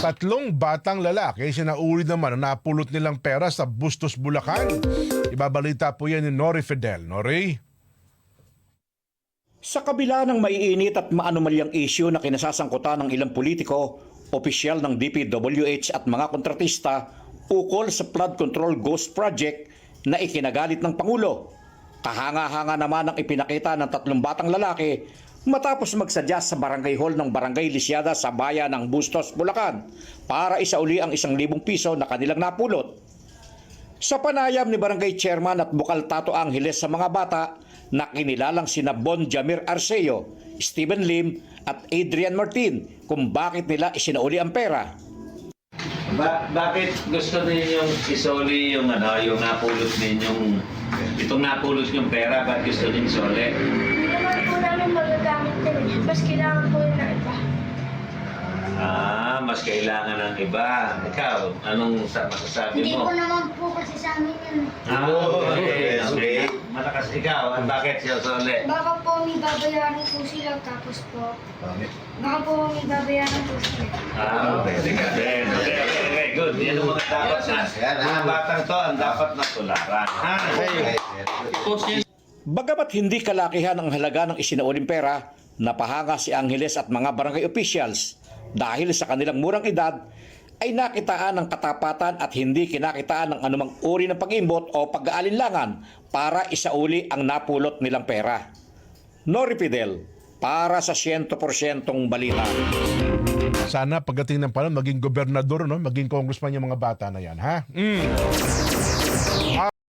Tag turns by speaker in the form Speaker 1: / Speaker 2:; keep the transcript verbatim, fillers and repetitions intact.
Speaker 1: Tatlong batang lalaki sinauli naman ang napulot nilang pera sa Bustos, Bulacan. Ibabalita po yan ni Nori Fidel. Nori?
Speaker 2: Sa kabila ng maiinit at maanumalyang issue na kinasasangkutan ng ilang politiko, opisyal ng D P W H at mga kontratista ukol sa flood control ghost project na ikinagalit ng Pangulo. Kahanga-hanga naman ang ipinakita ng tatlong batang lalaki matapos magsadya sa barangay hall ng Barangay Lisiada sa bayan ng Bustos, Bulacan para isauli ang isang libong piso na kanilang napulot. Sa panayam ni Barangay Chairman at Bukal Tato Angeles sa mga bata na kinilalang sina Bon Jamir Arceo, Stephen Lim at Adrian Martin kung bakit nila isinauli ang pera.
Speaker 3: Ba bakit gusto ninyong isoli yung ano, yung napulot ninyong itong napulot yung pera, bakit gusto ninyong isoli?
Speaker 4: Hindi naman po namin magagamit din eh. Mas kailangan po yun ng iba.
Speaker 3: Ah, mas kailangan ng iba. Ikaw, anong sa masasabi
Speaker 4: Hindi
Speaker 3: mo?
Speaker 4: po naman po kasi sa amin yun.
Speaker 3: Ah, okay, okay. Malakas ikaw, at bakit siya isoli?
Speaker 4: Baka po may babayaran po sila tapos po. Baka po may babayaran po sila.
Speaker 3: Ah, okay, okay, okay, okay, okay, good. Yan ang mga dapat na, mga batang to ang dapat na tularan. Ah, okay.
Speaker 2: Bagamat hindi kalakihan ang halaga ng isinauling pera, napahanga si Angeles at mga barangay officials dahil sa kanilang murang edad ay nakitaan ng katapatan at hindi kinakitaan ng anumang uri ng pag-imbot o pag-aalinlangan para isauli ang napulot nilang pera. Nori Fidel, para sa one hundred percent balita.
Speaker 1: Sana pagdating ng panahon, maging gobernador, no? Maging congressman yung mga bata na yan, ha? Mm.